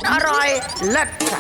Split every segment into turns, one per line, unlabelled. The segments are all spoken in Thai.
อร่อยเลิศค่ะ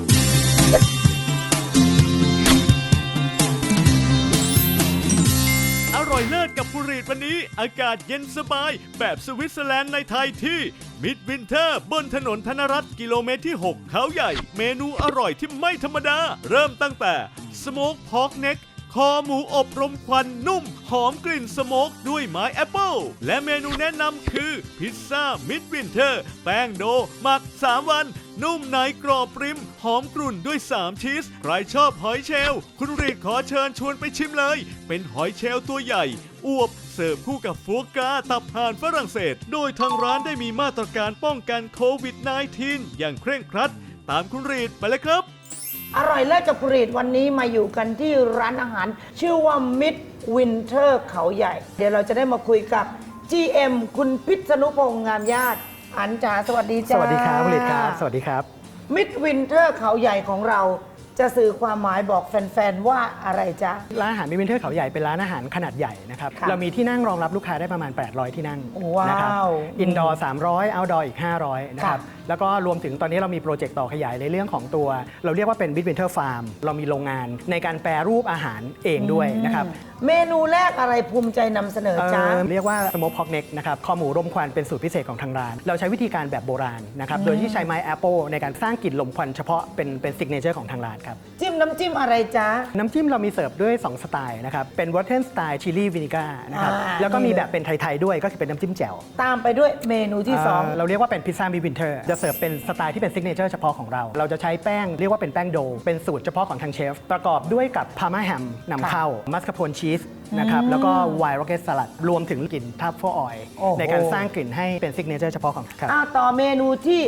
อร่อยเลิศกับผู้รีดวันนี้อากาศเย็นสบายแบบสวิตเซอร์แลนด์ในไทยที่มิดวินเทอร์บนถนนธนรัตน์กิโลเมตรที่ 6 เขาใหญ่เมนูอร่อยที่ไม่ธรรมดาเริ่มตั้งแต่สโมกพอกเน็กคอหมูอบรมควันนุ่มหอมกลิ่นสโมกด้วยไม้แอปเปิลและเมนูแนะนำคือพิซซ่ามิดวินเทอร์แป้งโดหมัก3 วันนุ่มในกรอบปริมหอมกรุ่นด้วย3ชีสใครชอบหอยเชลล์คุณรีดขอเชิญชวนไปชิมเลยเป็นหอยเชลล์ตัวใหญ่อวบเสิร์ฟคู่กับฟัวกราตับห่านฝรั่งเศสโดยทางร้านได้มีมาตรการป้องกันโควิด -19 อย่างเคร่งครัดตามคุณรีดไปเลยครับ
อร่อยเลิศกับผลิตวันนี้มาอยู่กันที่ร้านอาหารชื่อว่า Mid Winter เขาใหญ่ เดี๋ยวเราจะได้มาคุยกับ GM คุณพิษณุพงษ์งามญาติอันจ๋าสวัสดีจ้า
สวัสดีครับผลิตครับสวัสดีครับ
Mid Winter เขาใหญ่ของเราจะสื่อความหมายบอกแฟนๆว่าอะไรจ๊ะ
ร้านอาหารมิดวินเทอร์เขาใหญ่เป็นร้านอาหารขนาดใหญ่นะครับเรามีที่นั่งรองรับลูกค้าได้ประมาณ800ที่นั่งนะครับอินดอร์300เอาท์ดอร์อีก500นะครับแล้วก็รวมถึงตอนนี้เรามีโปรเจกต์ต่อขยายในเรื่องของตัวเราเรียกว่าเป็นมิดวินเทอร์ฟาร์มเรามีโรงงานในการแปรรูปอาหารเองด้วยนะครับ
เมนูแรกอะไรภูมิใจนำเสนอจ้า
เรียกว่าสโมกพอกเน็กนะครับคอหมูรมควันเป็นสูตรพิเศษของทางร้านเราใช้วิธีการแบบโบราณนะครับโดยที่ใช้ไม้แอปเปิลในการสร้างกลิ่นลมควันเฉพาะเป็นซิกเนเจอร์ของทางร้านครับ
จิ้มน้ำจิ้มอะไรจ๊ะ
น้ำจิ้มเรามีเสิร์ฟด้วย2สไตล์นะครับเป็นวอเทนสไตล์ชิลลี่วินิก้านะครับแล้วก็มีแบบเป็นไทยๆด้วยก็คือเป็นน้ำจิ้มแจ่ว
ตามไปด้วยเมนูที่2
เราเรียกว่าเป็นพิซซ่ามิดวินเทอร์จะเสิร์ฟเป็นสไตล์ที่เป็นซิกเนเจอร์เฉพาะของเราจะใช้แป้งเรียกว่าเป็นแป้งโดเป็นสูตรเฉพาะของทางเชฟประกอบด้วยกับพาร์มาแฮมนำเข้ามัสคาโพนชีสนะครับแล้วก็ไวน์โรเกตสลัดรวมถึงกลิ่นทัฟเฟิลออยล์ในการสร้างกลิ่นให้เป็นซิกเนเจอร์เฉพาะของครับ
ต่อเมนูที่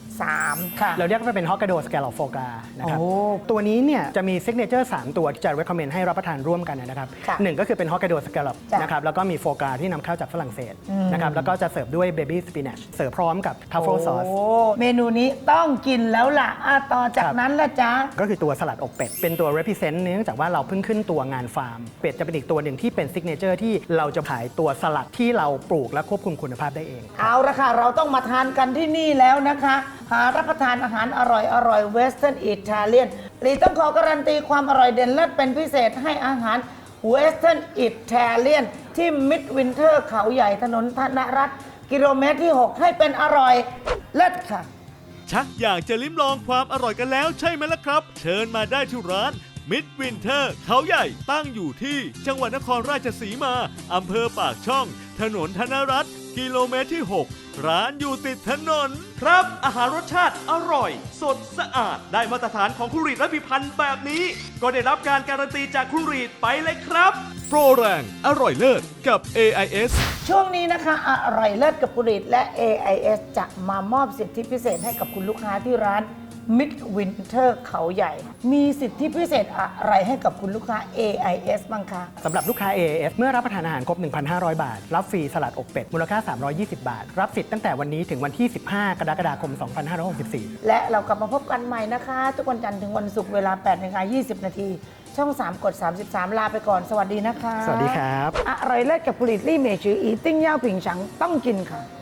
3ค่ะ
เราเรียกว่าเป็นฮอกไกโดสแกลลอปโฟกานะครับตัวนี้เนี่ยจะมีซิกเนเจอร์3ตัวจะ recommend ให้รับประทานร่วมกันนะครับหนึ่งก็คือเป็นฮอกไกโดสแกลลอปนะครับแล้วก็มีโฟกาที่นำเข้าจากฝรั่งเศสนะครับแล้วก็จะเสิร์ฟด้วยเบบี้สปินัชเสิร์ฟพร้อมกับทัฟเฟิลซอส
เมนูนี้ต้องกินแล้วล่ะต่อจากนั้นละจ๊ะ
ก็คือตัวสลัดอกเป็ดเป็นตัว represent เนื่องจากว่าเราเพิ่งขึ้นตัวงานฟาร์มเป็ดจะเป็นอีกตัวหนึ่งที่เป็นซิกเนเจอร์ที่เราจะขายตัวสลัดที่เราปลูกและควบคุมคุณภาพได้เอง
เอาละค่ะเราต้องมาทานกันที่นี่แล้วนะคะหารับประทานอาหารอร่อยเวสเทิร์นอิตาเลียนลีต้องขอการันตีความอร่อยเด่นเลิศเป็นพิเศษให้อาหารเวสเทิร์นอิตาเลียนที่มิดวินเทอร์เขาใหญ่ถนนธนรัตน์กิโลเมตรที่ 6ให้เป็นอร่อยเลิศค่ะ
ชักอยากจะลิ้มลองความอร่อยกันแล้วใช่ไหมล่ะครับเชิญมาได้ที่ร้านมิดวินเทอร์เขาใหญ่ตั้งอยู่ที่จังหวัดนครราชสีมาอำเภอปากช่องถนนธนรัตน์กิโลเมตรที่ 6ร้านอยู่ติดถนนครับอาหารรสชาติอร่อยสดสะอาดได้มาตรฐานของคุณรีดและพิพันธ์แบบนี้ก็ได้รับการการันตีจากคุณรีดไปเลยครับโปรแรงอร่อยเลิศกับ AIS
ช่วงนี้นะคะอร่อยเลิศกับผลิตและ AIS จะมามอบสิทธิพิเศษให้กับคุณลูกค้าที่ร้านมิดวินเทอร์เขาใหญ่มีสิทธิพิเศษอะไรให้กับคุณลูกค้า AIS บ้างคะ
สำหรับลูกค้า AIS เมื่อรับประทานอาหารครบ 1,500 บาทรับฟรีสลัดอกเป็ดมูลค่า320 บาทรับสิทธิ์ตั้งแต่วันนี้ถึงวันที่15 กรกฎาคม 2564
และเรากลับมาพบกันใหม่นะคะทุกวันจันทร์ถึงวันศุกร์เวลา 8:20 น.ช่อง 3 กด 33 ลาไปก่อนสวัสดีนะคะ
สวัสดีครับ
อร่อยเลิศกับผลิตลี่เมจืออีติ้งเย่าผิงฉังต้องกินค่ะ